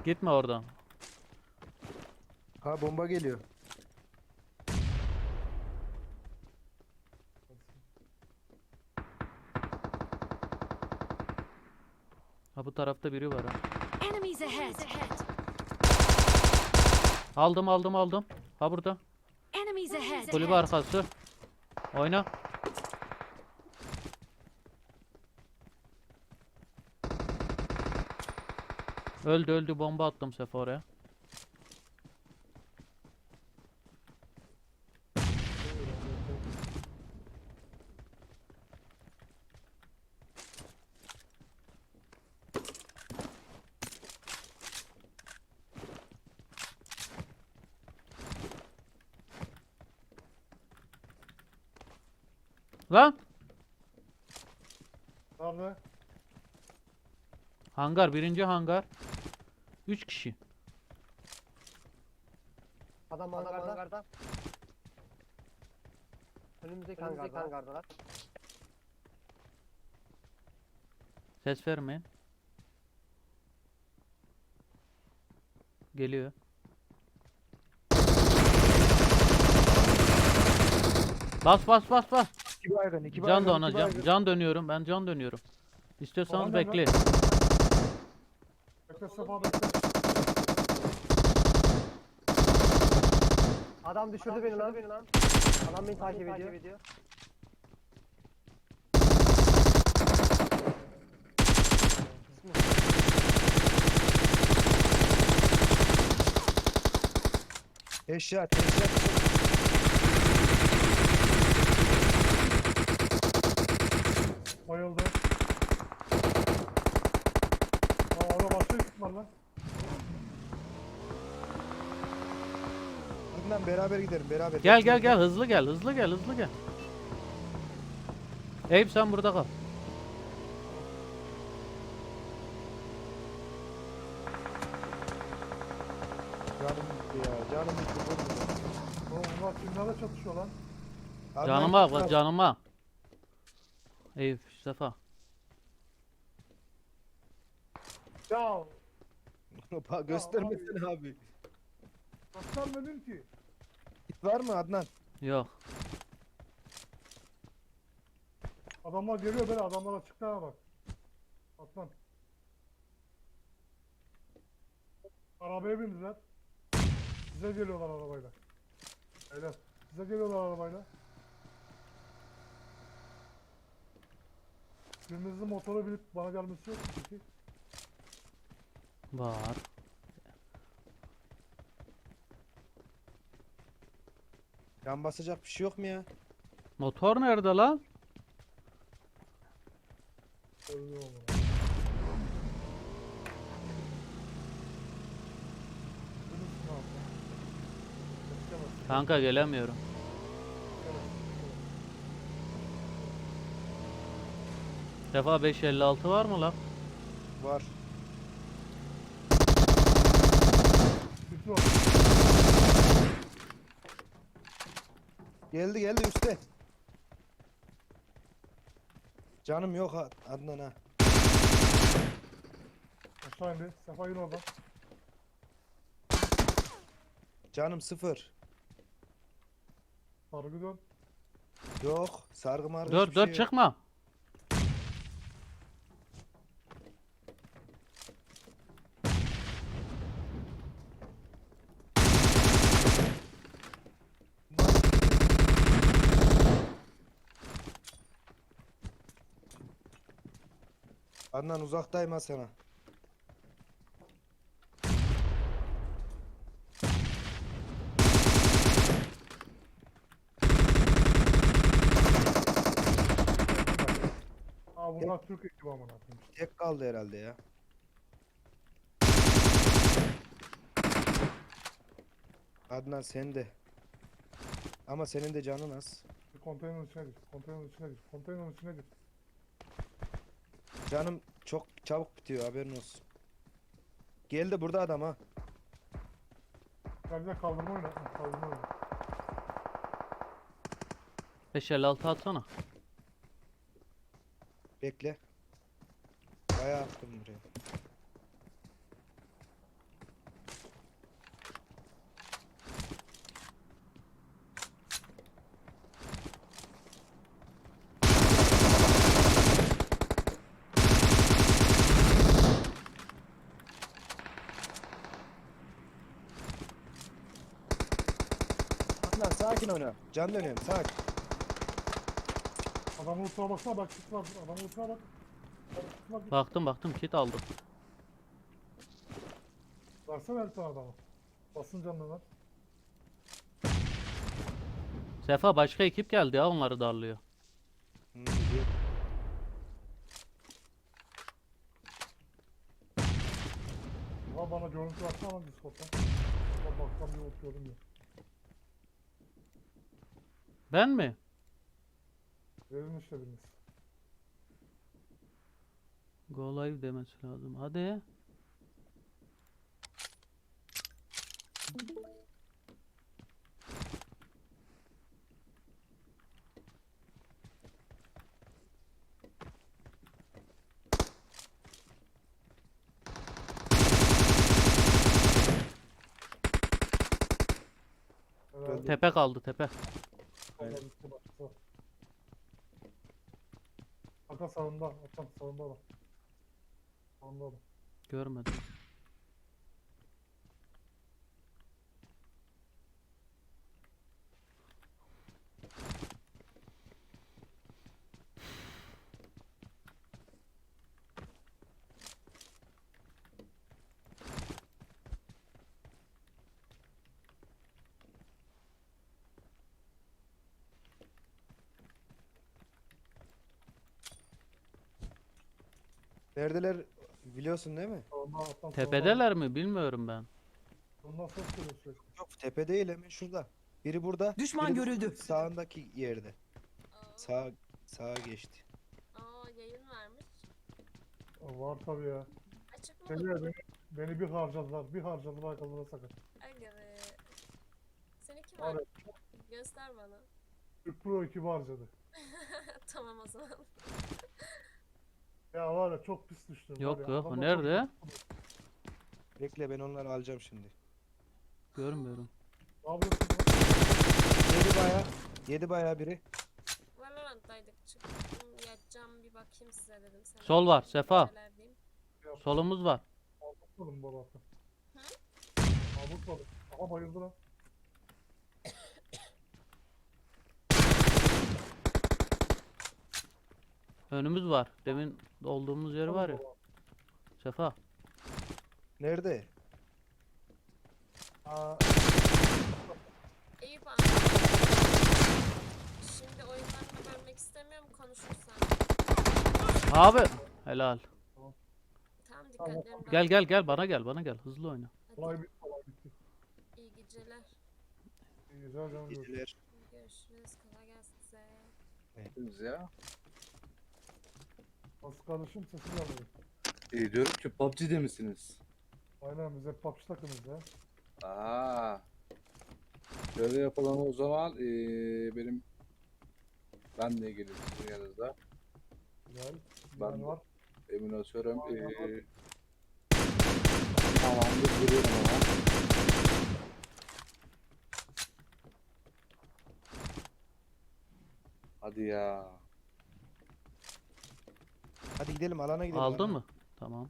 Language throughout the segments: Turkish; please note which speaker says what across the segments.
Speaker 1: Gitme oradan.
Speaker 2: Ha bomba geliyor.
Speaker 1: Ha bu tarafta biri var ha.
Speaker 3: Enemies ahead!
Speaker 1: Aldım. Ha burada.
Speaker 3: Enemies ahead!
Speaker 1: Kulübe arkası. Oyna. Öldü bomba attım sefer oraya. Lan!
Speaker 4: Nerede?
Speaker 1: Hangar, birinci hangar. 3 kişi.
Speaker 5: Adam hangarda. Önümüzdeki hangardalar.
Speaker 1: Ses vermeyin. Geliyor. Bas.
Speaker 2: İki baygın, iki
Speaker 1: Can
Speaker 2: baygın,
Speaker 1: da ona
Speaker 2: iki
Speaker 1: can,
Speaker 2: baygın.
Speaker 1: can dönüyorum. Ben can dönüyorum. İstiyorsanız
Speaker 4: Tamam,
Speaker 1: bekleyin.
Speaker 4: Bekle Sefa bekle.
Speaker 5: Adam düşürdü beni lan. Adam beni takip ediyor.
Speaker 2: Headshot, headshot.
Speaker 4: Bayıldı. Aa orada başka ekip var lan.
Speaker 2: Bundan beraber gidelim, beraber.
Speaker 1: Gel. Hızlı gel. Eyüp sen burada kal.
Speaker 2: Canım gitti ya, canım gitti.
Speaker 4: Oğlum bunlar kimlerle çatışıyor lan?
Speaker 1: Canıma. Eyüp, Sefa.
Speaker 4: Ya
Speaker 2: Bak göstermesene abi.
Speaker 4: göstermedin ki.
Speaker 2: Git var mı Adnan?
Speaker 1: Yok.
Speaker 4: Adamlar geliyor böyle adamlar açıkta bak. Atlan. Arabaya bindiler. Size geliyorlar arabayla. Beyler size geliyorlar arabayla. Birinizin motora binip bana gelmesi yok mu peki?
Speaker 1: Var.
Speaker 2: Can basacak bir şey yok mu ya?
Speaker 1: Motor nerede lan?
Speaker 4: Öyle olmalı. Bilirsin abi. Beklemez.
Speaker 1: Kanka gelemiyorum. Sefa 556 var mı lan?
Speaker 2: Var.
Speaker 4: Bitti o.
Speaker 2: Geldi üstte. Canım yok Adnan ha.
Speaker 4: Aşağı indi. Sefa yine orada.
Speaker 2: Canım sıfır.
Speaker 4: Sargı dön.
Speaker 2: Yok. Sargı margı
Speaker 1: Dur
Speaker 2: hiçbir şey yok.
Speaker 1: çıkma.
Speaker 2: Adnan uzaktayım ha sana.
Speaker 4: Aa bunlar Türk ekibi amına koyayım.
Speaker 2: Tek kaldı herhalde ya. Adnan sen de. Ama senin de canın az.
Speaker 4: Bir konteynerin içine gir. Konteynerin içine gir. Konteynerin içine gir.
Speaker 2: Canım çok çabuk bitiyor haberin olsun. Geldi burada adam ha.
Speaker 4: Gel kaldırma oyna. Kaldırma oyna.
Speaker 1: 556 atsana.
Speaker 2: Bekle. Bayağı attım buraya. Sakin oyna. Can dönüyorum. Sakin.
Speaker 4: Adamın ultraya baksana bak kit var. Adamın ultraya bak. Bak, kit var.
Speaker 1: Baktım kit aldım.
Speaker 4: Versene bir tane adama. Basın canını lan.
Speaker 1: Sefa başka ekip geldi ya, onları darlıyor.
Speaker 2: Biliyorum.
Speaker 4: Ulan bana görüntü atsana lan Discord'dan. Ulan baktan bir oturuyorum ya.
Speaker 1: Ben mi?
Speaker 4: Verin işte biriniz.
Speaker 1: Go live demesi lazım. Hadi.
Speaker 4: Herhalde.
Speaker 1: Tepe kaldı tepe.
Speaker 2: Aynen.
Speaker 4: Vallahi bitti başkası var. Hakan sağında. Hakan sağında adam. Sağında adam.
Speaker 1: Görmedim.
Speaker 2: Neredeler biliyorsun değil mi?
Speaker 4: Sağında Hakan sağında.
Speaker 1: Tepedeler mi bilmiyorum ben.
Speaker 4: Bundan ses geliyor sürekli.
Speaker 2: Yok tepe değil hemen şurada. Biri burada.
Speaker 6: Düşman
Speaker 2: biri de
Speaker 6: görüldü.
Speaker 2: Sağındaki yerde.
Speaker 7: Aa,
Speaker 2: Sağa geçti.
Speaker 7: yayın vermiş.
Speaker 4: Var tabii ya.
Speaker 7: Açık mı?
Speaker 4: Beni bir harcadılar. Bir harcadılar kazana sakın.
Speaker 7: Aga be. Seni kim
Speaker 4: Var ya.
Speaker 7: var? Göster bana.
Speaker 4: 40 Pro 2 harcadı.
Speaker 7: Tamam o zaman.
Speaker 4: Ya var ya çok pis düştüm.
Speaker 1: Yok,
Speaker 4: var ya,
Speaker 1: yok, o
Speaker 4: adamlar
Speaker 1: nerede?
Speaker 2: Bekle ben onları alacağım şimdi.
Speaker 1: Görmüyorum.
Speaker 4: Ne yapıyorsun lan?
Speaker 2: Yedi bayağı biri.
Speaker 7: Valorant'taydık çıktım. Yatacağım bir bakayım size dedim. Sana
Speaker 1: Sol var, Sefa.
Speaker 7: neler diyeyim.
Speaker 1: Solumuz var.
Speaker 4: Avutmadım bu arada.
Speaker 7: Hı?
Speaker 4: Avutmadım. Aha bayıldı lan.
Speaker 1: Önümüz var. Demin olduğumuz yer var ya. Sefa.
Speaker 2: Nerede?
Speaker 4: Aa,
Speaker 7: Eyüp abi. Şimdi oyunlarını bölmek istemiyorum konuşursan.
Speaker 1: Abi. Helal.
Speaker 7: Tamam dikkatlerini
Speaker 1: Gel gel gel bana gel. Hızlı oyna.
Speaker 4: olay bitti, olay bitti.
Speaker 7: İyi geceler.
Speaker 4: İyi güzel canım.
Speaker 2: Gittiler.
Speaker 7: Görüşürüz. Kolay gelsin size.
Speaker 8: Biz ya.
Speaker 4: Nasıl kardeşim sesin gelmedi.
Speaker 8: Diyorum ki PUBG'de misiniz?
Speaker 4: Aynen biz hep PUBG takımız ya.
Speaker 8: Aa. Şöyle yapalım o zaman. Ben de gelirim sizin yanınızda.
Speaker 4: Güzel.
Speaker 8: Ben
Speaker 4: Ben
Speaker 8: de.
Speaker 4: var.
Speaker 8: Emin atıyorum.
Speaker 4: Aynen.
Speaker 8: Tamamdır duruyorum ama. Hadi ya.
Speaker 2: Hadi gidelim alana gidelim.
Speaker 1: Aldın
Speaker 2: alana.
Speaker 1: mı? Tamam.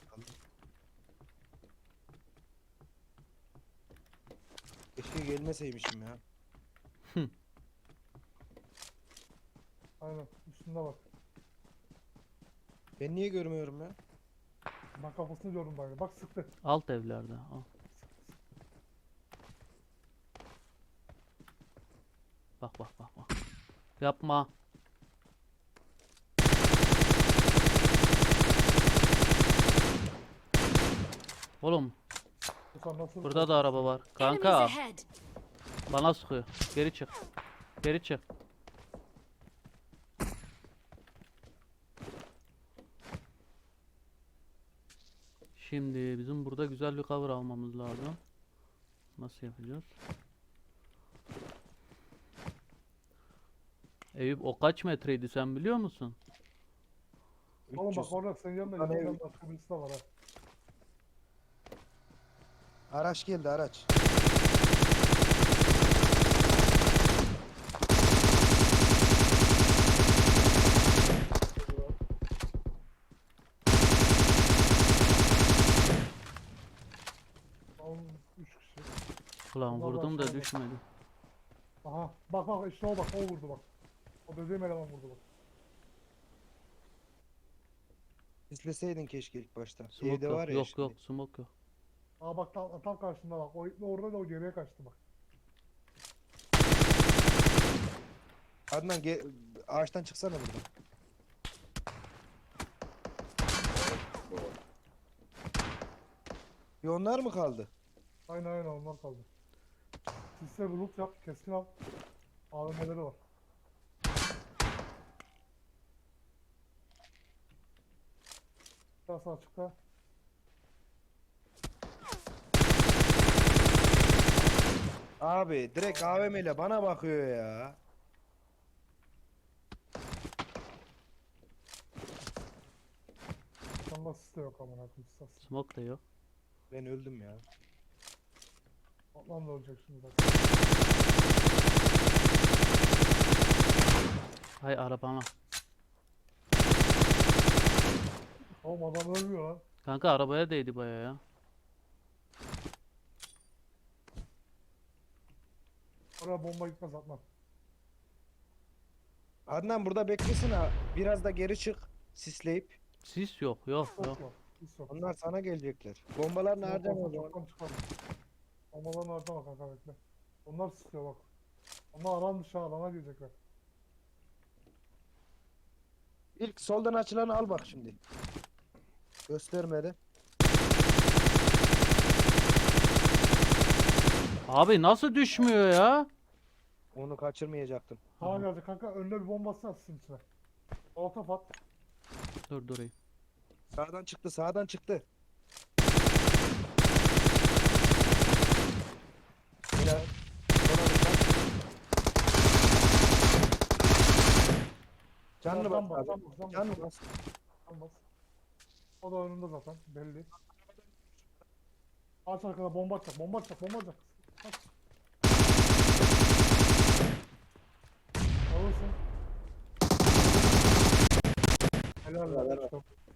Speaker 2: Keşke gelmeseymişim ya.
Speaker 4: Aynen. Üstünde bak.
Speaker 2: Ben niye görmüyorum ya?
Speaker 4: Ben kafasını gördüm bari. Bak sıktı.
Speaker 1: Alt evlerde. Al. Bak. Yapma. Oğlum
Speaker 4: Bu sen nasıl?
Speaker 1: burada da araba var.
Speaker 3: Enemies
Speaker 1: Kanka
Speaker 3: ahead.
Speaker 1: bana sıkıyor. Geri çık. Geri çık. Şimdi bizim burada güzel bir cover almamız lazım. Nasıl yapacağız? Eyüp o kaç metreydi sen biliyor musun?
Speaker 4: Oğlum
Speaker 2: 300.
Speaker 4: bak orada senin yanında
Speaker 2: Lan
Speaker 4: yanından
Speaker 2: ev-
Speaker 4: başka birisi de var ha.
Speaker 2: Araç geldi araç.
Speaker 4: Oğlum 3 kişi.
Speaker 1: Ulan
Speaker 4: Bunlar
Speaker 1: vurdum da
Speaker 4: aşağıda.
Speaker 1: düşmedi.
Speaker 4: Aha bak bak işte o bak o vurdu bak. O dediğim eleman vurdu bak.
Speaker 2: İzleseydin keşke ilk başta.
Speaker 1: Smoke
Speaker 2: Evde
Speaker 1: yok.
Speaker 2: var ya
Speaker 1: Yok
Speaker 2: şimdi.
Speaker 1: yok smoke yok.
Speaker 4: Aa bak tam karşında bak. O ipne orada da o geriye kaçtı bak.
Speaker 2: Adnan ağaçtan çıksana buradan. Bir onlar mı kaldı?
Speaker 4: Aynen onlar kaldı. Sisle bir loot yap keskin al. AVM'leri var. Biraz açıkta.
Speaker 2: Abi direkt AVM ile bana bakıyor ya.
Speaker 4: Sanda sis de yok amına koyayım. Sis.
Speaker 1: Smoke da yok.
Speaker 2: Ben öldüm ya.
Speaker 4: Atlan da ölecek şimdi bak.
Speaker 1: Hay arabama.
Speaker 4: Oğlum adam ölmüyor lan.
Speaker 1: Kanka arabaya değdi baya ya.
Speaker 4: Oraya bomba gitmez atlan.
Speaker 2: Adnan burada beklesin ha. Biraz da geri çık. Sisleyip.
Speaker 1: Sis yok yok
Speaker 4: Yok
Speaker 1: yok.
Speaker 4: yok. Sis yok.
Speaker 2: Onlar sana gelecekler. Bombalar nereden
Speaker 4: Yok,
Speaker 2: o zaman?
Speaker 4: çoktan çıkar. Bombalar nerede bak kanka bekle. Onlar sıkıyor bak. Onlar alan dışı alana girecekler.
Speaker 2: İlk soldan açılanı al bak şimdi. Göstermedi.
Speaker 1: Abi nasıl düşmüyor ya?
Speaker 2: Onu kaçırmayacaktım.
Speaker 4: Kaan geldi kanka önüne bir bomba atsana sisin içine. Orta at.
Speaker 1: Dur durayım.
Speaker 2: Sağdan çıktı, sağdan çıktı. Helal. Sonra bir bak. Canlı bas abi. Canlı bas.
Speaker 4: Bas. O da önünde zaten belli. Aç arkada bomba atacak, bomba atacak, bomba atacak. Aç. Alırsın. Helal
Speaker 2: Helal,
Speaker 4: lan.
Speaker 2: helal.
Speaker 4: İşte.